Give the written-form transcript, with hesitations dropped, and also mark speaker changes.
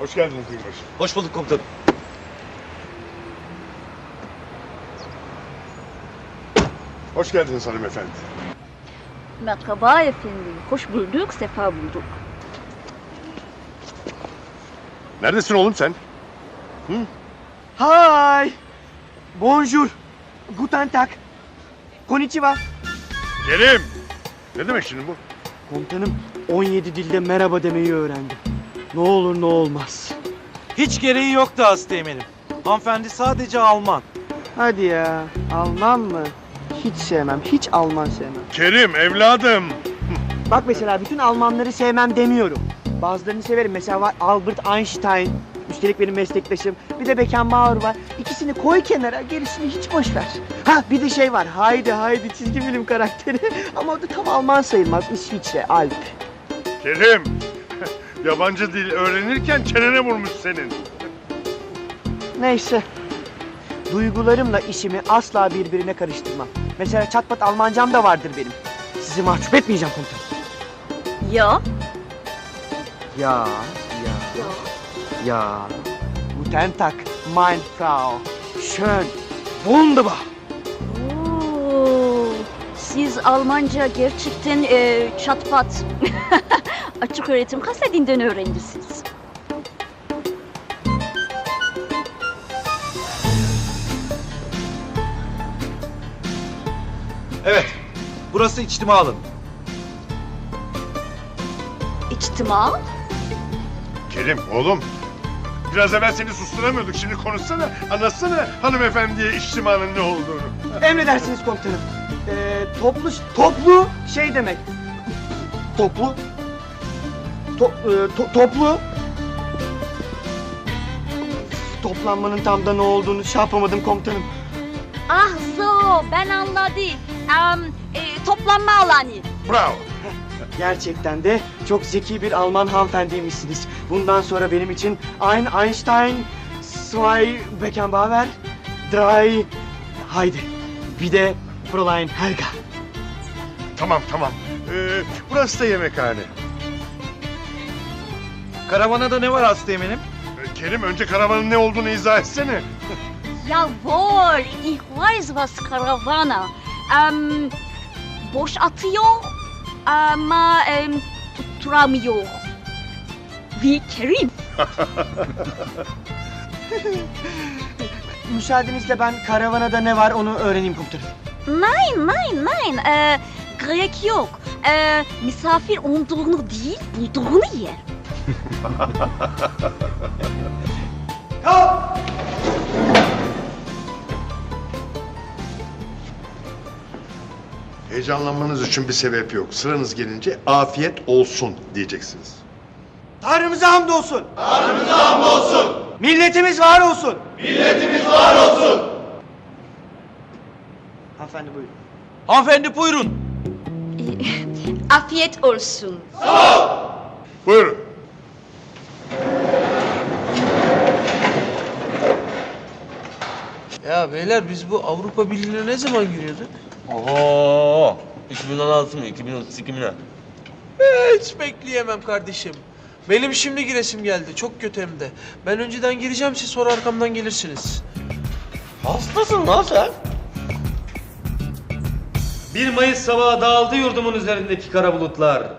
Speaker 1: Hoş geldiniz Binbaşı.
Speaker 2: Hoş bulduk komutanım.
Speaker 1: Hoş geldiniz hanımefendi.
Speaker 3: Merhaba efendim. Hoş bulduk, sefa bulduk.
Speaker 1: Neredesin oğlum sen?
Speaker 4: Hi. Bonjour. Guten Tag. Konnichiwa.
Speaker 1: Kerim! Ne demek şimdi bu?
Speaker 4: Komutanım 17 dilde merhaba demeyi öğrendim. Ne olur ne olmaz.
Speaker 2: Hiç gereği yoktu Asteğmen'im. Hanımefendi sadece Alman.
Speaker 4: Hadi ya. Alman mı? Hiç sevmem. Hiç Alman sevmem.
Speaker 1: Kerim evladım!
Speaker 4: Bak mesela bütün Almanları sevmem demiyorum. Bazılarını severim. Mesela var Albert Einstein. Üstelik benim meslektaşım. Bir de Beckenbauer var. İkisini koy kenara, gerisini hiç boş ver. Ha bir de şey var. Haydi çizgi film karakteri. Ama o da tam Alman sayılmaz. İsviçre, Alp.
Speaker 1: Kerim! Yabancı dil öğrenirken çenene vurmuş senin.
Speaker 4: Neyse. Duygularımla işimi asla birbirine karıştırmam. Mesela çatpat Almancam da vardır benim. Sizi mahcup etmeyeceğim komutanım.
Speaker 3: Ya,
Speaker 4: Ya. Guten Tag, mein Frau. Schön. Wunderbar.
Speaker 3: oo, siz Almanca gerçekten çatpat. Açık öğretim kasetinden öğrencisiniz.
Speaker 2: Evet. Burası içtima alanı.
Speaker 3: İçtima.
Speaker 1: Kerim oğlum! Biraz evvel seni susturamıyorduk. Şimdi konuşsana, anlatsana hanımefendiye içtimanın ne olduğunu.
Speaker 4: Emredersiniz komutanım. Toplu şey demek. Toplu. Toplu. Toplanmanın tam da ne olduğunu şey yapamadım komutanım.
Speaker 3: Ah so, ben anladım. Toplanma alanı.
Speaker 1: Bravo!
Speaker 4: Gerçekten de çok zeki bir Alman hanımefendiymişsiniz. Bundan sonra benim için Einstein, zwei Beckenbauer, drei, haydi. Bir de Fräulein Helga.
Speaker 1: Tamam. Burası da yemekhane.
Speaker 2: Karavana ne var Asteğmen'im?
Speaker 1: Kerim önce karavanın ne olduğunu izah etsene.
Speaker 3: Jawohl, ich weiß was Karavana. Boş atıyor ama tutturamıyor. Wie Kerim.
Speaker 4: Müsaadenizle ben karavanada ne var onu öğreneyim komutanım.
Speaker 3: Nein. Gerek yok. Misafir olduğunu değil, bulduğunu yer.
Speaker 1: Heyecanlanmanız için bir sebep yok. Sıranız gelince afiyet olsun diyeceksiniz.
Speaker 4: Tanrımıza hamdolsun. Tanrımıza hamdolsun. Milletimiz var olsun. Milletimiz var olsun. Hanımefendi buyurun.
Speaker 2: Hanımefendi buyurun.
Speaker 3: Afiyet olsun.
Speaker 1: Buyurun.
Speaker 5: Ya beyler biz bu Avrupa Birliği'ne ne zaman giriyorduk?
Speaker 6: Oho! 2016 mı? 2032 mi ne?
Speaker 5: Hiç bekleyemem kardeşim. Benim şimdi giresim geldi. Çok kötü hem de. Ben önceden gireceğim, siz sonra arkamdan gelirsiniz.
Speaker 6: Hastasın lan sen.
Speaker 7: 1 Mayıs sabahı dağıldı yurdumun üzerindeki kara bulutlar.